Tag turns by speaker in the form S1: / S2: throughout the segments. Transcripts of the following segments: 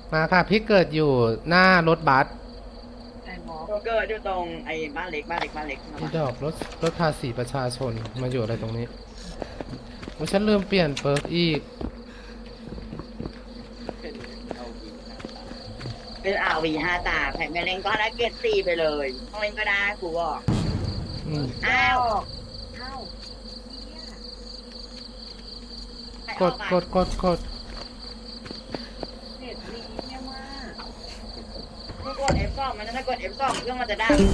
S1: มาค่ะพี่เกิดอยู่หน้ารถบัส
S2: ไอ้หมอ
S3: ก็เกิดอยู่ตรงไอ้บ้านเล็กบ้านเล็กบ้านเล็กนะ
S1: พี่
S3: มา
S1: ดอกรถภาษีประชาชนมาอยู่อะไรตรงนี้โอ้ฉันลืมเปลี่ยนเปิร์กอีก
S3: เป็นเอาวีเป็นอาวีห้าตาแผ่นแม่เล่นก็ได้เกรดสี่ไปเลยต้องเล่นก็ได้กูบอก
S1: อืม
S3: อ้าว
S2: อ้าว
S3: ใคร
S1: ก
S3: ออกอ่ะ
S1: ดกดกดกด
S2: เน็ตดีเนี่ยมาก
S3: มึงกด F2 มันถ้ากด F2 เครื่องมันจะดัง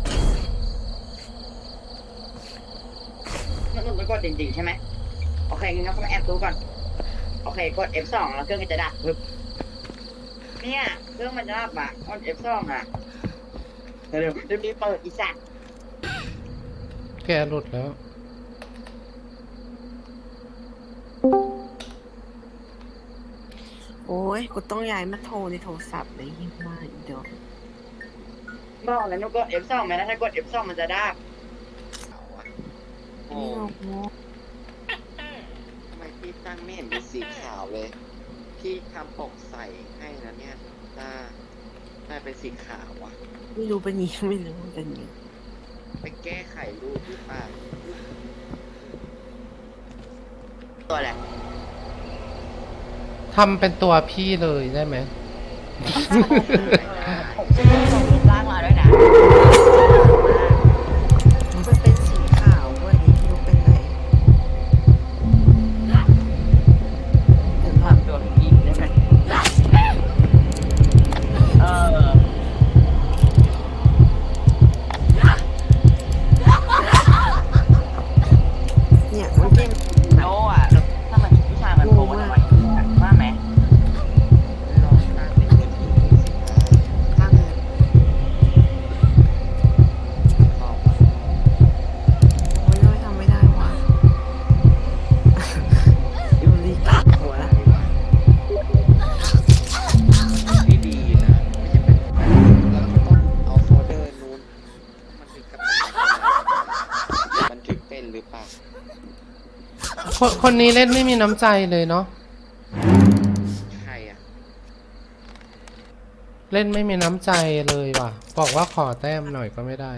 S3: มันกดจริงๆใช่ไหมโอเคงั้นก็มาแอบดูก่อนโอเคกด F2 แล้วเครื่องมันจะดับปึ๊บเนี่ยเครื่องมันจะดับอ่ะกด F2 อ่ะเร็วๆรีบๆเปิดอีสัตว์
S1: แกหลุดแล้ว
S2: โอ้ยกูต้องย้ายมาโทรในโทรศัพท์เลยยิ่งมากอีดอก
S3: บอกแล้วนุกกด F2 ไหมนะถ้ากด F2 มันจะดับโอ้
S2: นี่เราโง่
S4: ทำไมพี่ตั้งไม่เห็นเป็นสีขาวเลย พี่ทำปกใส่ให้นะเนี่ยถ้าเป็นสีขาวอะ
S2: ไม่รู้เป็นยังไม่รู้เป็นยัง
S4: ไปแก้ไขรูปหรือเปล่า
S3: ตัวอะไร
S1: ทำเป็นตัวพี่เลยได้ไหม
S3: ผมซื้อส่งรูปร่างมาด้วยนะ
S2: มันเป็นสีขาววันนี้ไม่รู้เป็นไรเดี๋ยวก่อน
S3: ทำตัวผีได้ไหมเออ
S2: เนี่ยมันเป็น
S3: โน่อะถ้ามันผู้ชายมันโผล่มาทำไมว่าไหม
S4: ลองตั้งเป็นมือถือดูสิว่า
S2: ข้างเลย
S4: เข้า
S2: โอ้ยทำไม่ได้วะยูริกัดหัวละ
S4: พี่ดีนะไม่ใช่เป็นแล้วก็ต้องเอาโฟลเดอร์นู้นมันถึงกับมันถึงเป็นหรือเปล่า
S1: คนนี้เล่นไม่มีน้ำใจเลยเนาะ
S4: ใครอะ
S1: เล่นไม่มีน้ำใจเลยว่ะ บอกว่าขอแต้มหน่อยก็ไม่ได้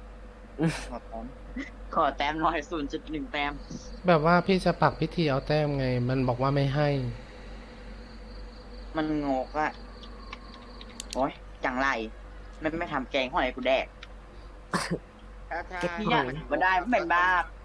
S3: ขอแต้มหน่อย0.1แต้ม
S1: แบบว่าพี่จะปักพิธีเอาแต้มไง มันบอกว่าไม่ให้
S3: มันงกอะโอ้ยจังไรไม่ทำแกงหอยกูแดก
S4: ถ้า
S3: พี่อยากมาได้ไม่เป็นบ้า